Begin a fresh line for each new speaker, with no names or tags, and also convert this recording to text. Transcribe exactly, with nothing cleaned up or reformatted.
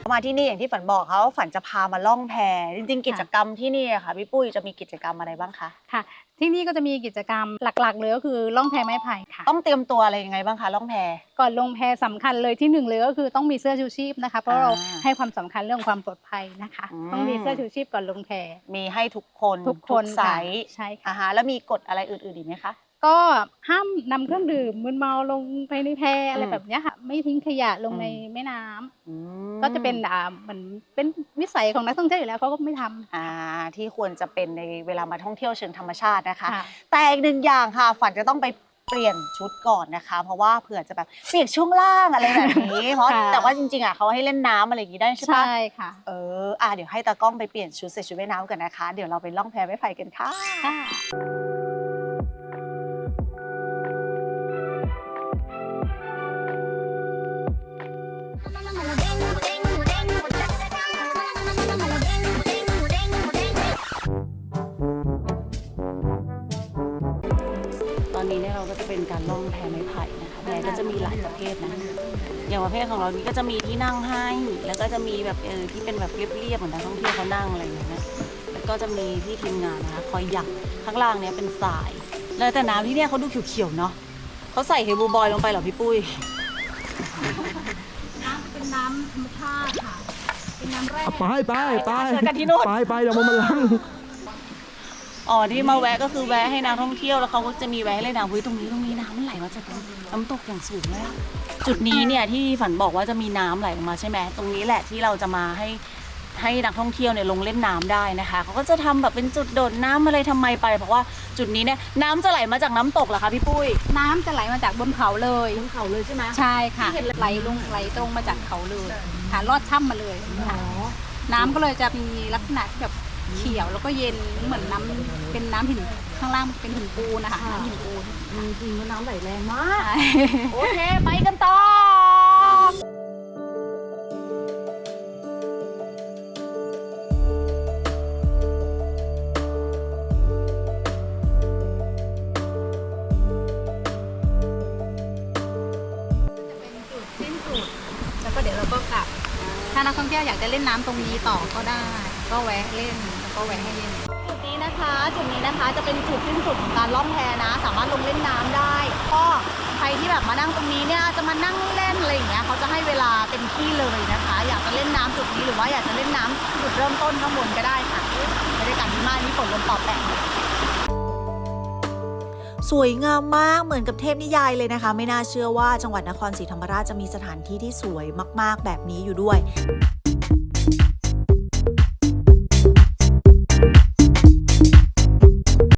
มาที่นี่อย่างที่ฝันบอกเขาฝันจะพามาล่องแพจริงๆกิจกรรมที่นี่ค่ะพี่ปุ้ยจะมีกิจกรรมอะไรบ้างคะ
ค่ะที่นี่ก็จะมีกิจกรรมหลักๆเลยก็คือล่องแพไม้ไผ่ค่ะ
ต้องเตรียมตัวอะไรยังไงบ้างคะล่องแพ
ก่อนลงแพสำคัญเลยที่หนึ่งเลยก็คือต้องมีเสื้อชูชีพนะคะเพราะเราให้ความสำคัญเรื่องความปลอดภัยนะคะต้องมีเสื้อชูชีพก่อนลงแพ
มีให้ทุกคน
ทุกคน
ไซส์
ใช่ค่ะ
แล้วมีกฎอะไรอื่นๆอีกไหมคะ
ก็ห้ามนำเครื่องดื่มมึนเมาลงไปในแพอะไรแบบนี้ค่ะไม่ทิ้งขยะลงในแม่น้ำก็จะเป็นอ่าเหมือนเป็นวิสัยของนักท่องเที่ยวอยู่แล้วเขาก็ไม่ทำ
อ่าที่ควรจะเป็นในเวลามาท่องเที่ยวเชิงธรรมชาตินะคะแต่อีกหนึ่งอย่างค่ะฝันจะต้องไปเปลี่ยนชุดก่อนนะคะเพราะว่าเผื่อจะแบบเปียกช่วงล่างอะไรแบบนี้เพราะแต่ว่าจริงๆอ่ะเขาให้เล่นน้ำอะไรอย่างนี้ได้ใช่ปะ
ใช่ค่ะ
เอออ่ะเดี๋ยวให้ตากล้องไปเปลี่ยนชุดใส่ชุดว่ายน้ำกันนะคะเดี๋ยวเราไปล่องแพไม้ไผ่กันค่ะตอนนี้เนี่ยเราก็จะเป็นการล่องแพไม้ไผ่นะคะแพก็จะมีหลายประเภทนะอย่างประเภทของเรานี้ก็จะมีที่นั่งให้แล้วก็จะมีแบบเออที่เป็นแบบเรียบๆเหมือนนักท่องเที่ยวเขานั่งอะไรอย่างเงี้ยแล้วก็จะมีพี่ทีมงานนะคะคอยหยักข้างล่างเนี้ยเป็นทรายแล้วแต่น้ำที่เนี่ยเขาดูเขียวๆเนาะเขาใส่เฮบูบอยลงไปเหรอพี่ปุ้ย
น้ำเป็นน้ำธรรมชาติค่ะเป็นน้ำแร่
ไปไปไปไปไปเดี๋ยวมันล้าง
อ๋อที่มาแวะก็คือแวะให้นักท่องเที่ยวแล้วเขาก็จะมีแวะให้เล่นน้ำตรงนี้ตรงนี้น้ำมันไหลมาจากน้ำตกอย่างสูงเลยจุดนี้เนี่ยที่ฝันบอกว่าจะมีน้ำไหลออกมาใช่ไหมตรงนี้แหละที่เราจะมาให้ให้นักท่องเที่ยวเนี่ยลงเล่นน้ำได้นะคะเขาก็จะทำแบบเป็นจุดโดดน้ำอะไรทำไมไปเพราะว่าจุดนี้เนี่ยน้ำจะไหลมาจากน้ำตกเหรอคะพี่ปุ้ย
น้ำจะไหลมาจากบนเขาเลย
บนเขาเลยใช่ไหม
ใช่ค่ะไหลลงไหลตรงมาจากเขาเลยค่ะลอดถ้ำมาเลยค่ะน้ำก็เลยจะมีลักษณะแบบเขียวแล้วก็เย็นเหมือนน้ำเป็นน้ำหินข้างล่างเป็นหินปูนนะคะน้ำหินปูน
จริงๆน้ำไหลแรงมากโอเคไปกันต่อ
แล้วก็เดี๋ยวเราก็กลับถ้านักท่องเที่ยวอยากจะเล่นน้ำตรงนี้ต่อก็ได้ก็แวะเล่นแล้วก็แวะให้เล่น
จุดนี้นะคะจุดนี้นะคะจะเป็นจุดสิ้นสุดของการล่องแพนะสามารถลงเล่นน้ำได้ก็ใครที่แบบมานั่งตรงนี้เนี่ยจะมานั่งเล่นอะไรอย่างเงี้ยเขาจะให้เวลาเต็มที่เลยนะคะอยากจะเล่นน้ำจุดนี้หรือว่าอยากจะเล่นน้ำจุดเริ่มต้นข้างบนก็ได้ค่ะบรรยากาศดีมากนี่ฝนลมปอแปะ
สวยงามมากเหมือนกับเทพนิยายเลยนะคะไม่น่าเชื่อว่าจังหวัดนครศรีธรรมราชจะมีสถานที่ที่สวยมากๆแบบนี้อยู่ด้วย